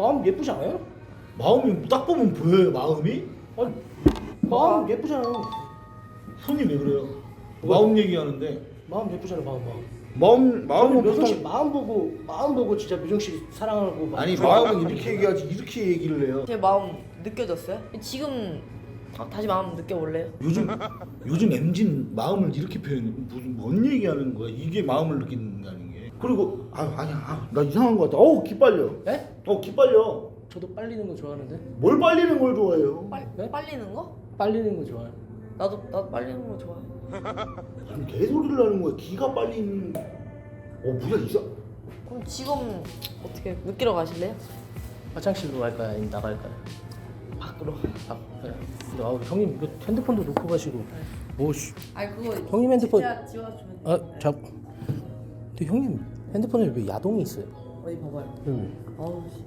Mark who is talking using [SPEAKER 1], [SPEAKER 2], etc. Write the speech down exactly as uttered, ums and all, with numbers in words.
[SPEAKER 1] 마음 예쁘지 않아요?
[SPEAKER 2] 마음이 딱 보면 보여요. 마음이?
[SPEAKER 1] 아니 마음 예쁘잖아요.
[SPEAKER 2] 손이 왜 그래요? 마음 얘기하는데
[SPEAKER 1] 마음 예쁘잖아요. 마음 마음.
[SPEAKER 2] 마음 마음은
[SPEAKER 1] 저는 묘정 씨
[SPEAKER 2] 보통
[SPEAKER 1] 마음 보고 마음 보고 진짜 묘정 씨 사랑하고 막
[SPEAKER 2] 아니
[SPEAKER 1] 좋아하고
[SPEAKER 2] 마음은
[SPEAKER 1] 하는
[SPEAKER 2] 이렇게
[SPEAKER 1] 거잖아요.
[SPEAKER 2] 얘기하지 이렇게 얘기를 해요.
[SPEAKER 3] 제 마음 느껴졌어요? 지금 다- 다시 마음 느껴볼래요?
[SPEAKER 2] 요즘 요즘 엠지는 마음을 이렇게 표현해. 무슨 뭔 얘기하는 거야? 이게 마음을 느낀다는 게. 그리고 아 아니야 아, 나 이상한 거 같아. 어우 기빨려.
[SPEAKER 1] 네?
[SPEAKER 2] 어 기빨려.
[SPEAKER 1] 저도 빨리는 거 좋아하는데.
[SPEAKER 2] 뭘 빨리는 걸 좋아해요?
[SPEAKER 3] 빨,
[SPEAKER 1] 네?
[SPEAKER 3] 빨리는 거?
[SPEAKER 1] 빨리는 거 좋아요.
[SPEAKER 3] 나도 나도 빨리는 거 좋아해.
[SPEAKER 2] 무슨 개소리를 하는 거야? 기가 빨리는. 어 뭐야 이상.
[SPEAKER 3] 그럼 지금 어떻게 느끼러 가실래요?
[SPEAKER 1] 화장실로 갈까요? 아니면 나갈까요?
[SPEAKER 3] 밖으로.
[SPEAKER 1] 아, 네. 근데 아, 형님 이거 핸드폰도 놓고 가시고 뭐 씨.
[SPEAKER 3] 아니 그거
[SPEAKER 1] 형님 핸드폰-
[SPEAKER 3] 진짜 지워주면
[SPEAKER 1] 아,
[SPEAKER 3] 돼요.
[SPEAKER 1] 자. 근데 형님 핸드폰에 왜 야동이 있어요?
[SPEAKER 3] 어디 봐봐요.
[SPEAKER 1] 여기.
[SPEAKER 3] 어우 씨.